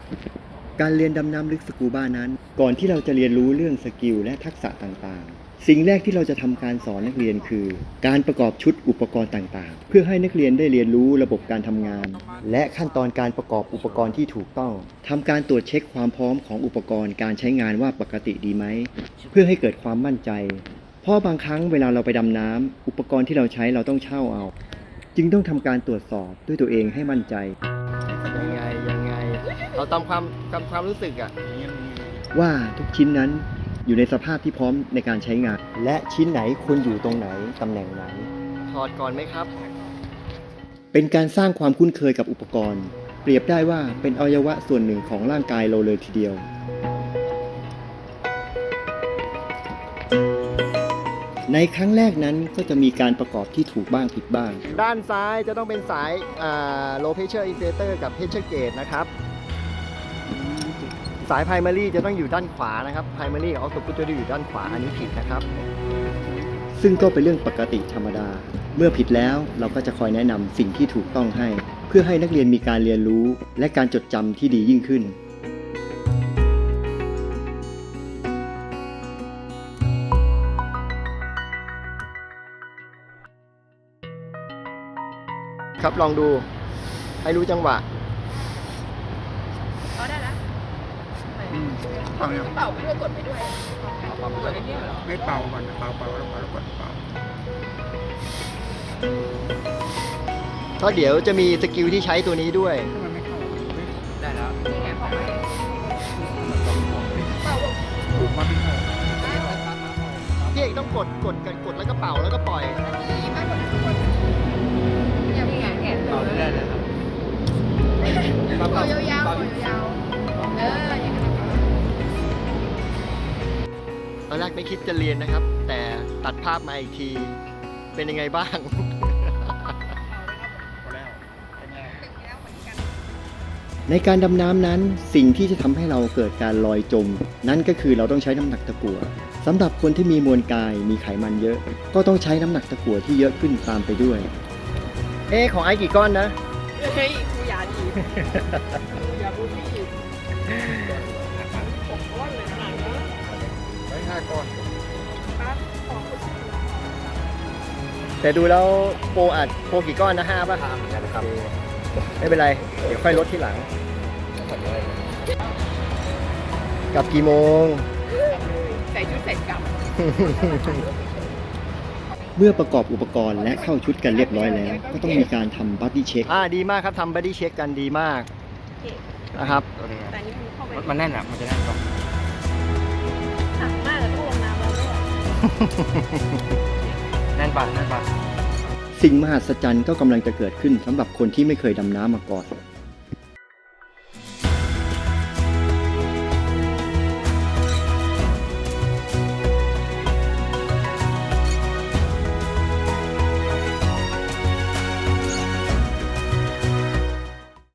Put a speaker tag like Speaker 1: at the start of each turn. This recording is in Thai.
Speaker 1: การเรียนดำน้ำลึกสกูบ้านั้นก่อนที่เราจะเรียนรู้เรื่องสกิลและทักษะต่างๆสิ่งแรกที่เราจะทำการสอนนักเรียนคือการประกอบชุดอุปกรณ์ต่างๆเพื่อให้นักเรียนได้เรียนรู้ระบบการทำงานและขั้นตอนการประกอบอุปกรณ์ที่ถูกต้องทำการตรวจเช็คความพร้อมของอุปกรณ์การใช้งานว่าปกติดีไหมเพื่อให้เกิดความมั่นใจเพราะบางครั้งเวลาเราไปดำน้ำอุปกรณ์ที่เราใช้เราต้องเช่าเอาจึงต้องทำการตรวจสอบด้วยตัวเองให้มั่นใจยังไงเราตามความรู้สึกอะว่าทุกชิ้นนั้นอยู่ในสภาพที่พร้อมในการใช้งานและชิ้นไหนควรอยู่ตรงไหนตำแหน่งไหนถอดก่อนไหมครับเป็นการสร้างความคุ้นเคยกับอุปกรณ์เปรียบได้ว่าเป็นอวัยวะส่วนหนึ่งของร่างกายเราเลยทีเดียวในครั้งแรกนั้นก็จะมีการประกอบที่ถูกบ้างผิดบ้างด้านซ้ายจะต้องเป็นสาย low pressure inflator กับ pressure gauge นะครับสาย primary จะต้องอยู่ด้านขวานะครับ primary กับ output จะอยู่ด้านขวาอันนี้ผิดนะครับซึ่งก็เป็นเรื่องปกติธรรมดาเมื่อผิดแล้วเราก็จะคอยแนะนำสิ่งที่ถูกต้องให้เพื่อให้นักเรียนมีการเรียนรู้และการจดจำที่ดียิ่งขึ้นครับลองดูให้รู้จังหวะ
Speaker 2: ได้แล้ว
Speaker 3: เป่ายัง
Speaker 2: เป่าไปด้วยกดไปด้วยกดไอ้นี่เหรอ
Speaker 3: ไม่เป่าก่อนเป่าแล้วกดเป่า
Speaker 1: เพราะเดี๋ยวจะมีสกิลที่ใช้ตัวนี้ด้วย
Speaker 3: ทำไมไม่เข้า
Speaker 2: ได้แล้วนี่ไงเป่าไปเป่า
Speaker 3: ถูกมันไม่เข้า
Speaker 1: พี่เอกต้องกดแล้วก็เป่าแล้วก็ปล่อย
Speaker 2: ดีมากกว่าทุกคนยังไงแอบดูได้เลยครับเป่ายาวๆอย่างนั้น
Speaker 1: ตอนแรกไม่คิดจะเรียนนะครับแต่ตัดภาพมาอีกทีเป็นยังไงบ้างในการดำน้ำนั้นสิ่งที่จะทำให้เราเกิดการลอยจมนั่นก็คือเราต้องใช้น้ำหนักตะกั่วสำหรับคนที่มีมวลกายมีไขมันเยอะก็ต้องใช้น้ำหนักตะกั่วที่เยอะขึ้นตามไปด้วยของไอ้กี่ก้อนนะ
Speaker 2: เฮ้ยกูอย่าดีอย่าพูดไม่ดีผมก้อนเลยนะ
Speaker 3: ไว้5 ก้อน
Speaker 2: ปั๊บขอคุณสิ
Speaker 1: แต่ดูแล้วโปรกี่ก้อนนะ5ป่ะครับไม่เป็นไรเดี๋ยวค่อยลดที่หลังกลับกี่โมง
Speaker 2: ใส่ชุดเสร็จกลับ
Speaker 1: เมื่อประกอบอุปกรณ์และเข้าชุดกันเรียบร้อยแล้วก็ต้องมีการทำบัดดี้เช็คดีมากครับทำบัดดี้เช็คกันดีมากนะครับ
Speaker 3: มันแน่นอ่ะมันจะแน่นก่อน
Speaker 2: หนักมากเลยต้องลงน้ำแล้วด้วย
Speaker 3: แน่นปะ
Speaker 1: สิ่งมหัศจรรย์ก็กำลังจะเกิดขึ้นสำหรับคนที่ไม่เคยดำน้ำมาก่อน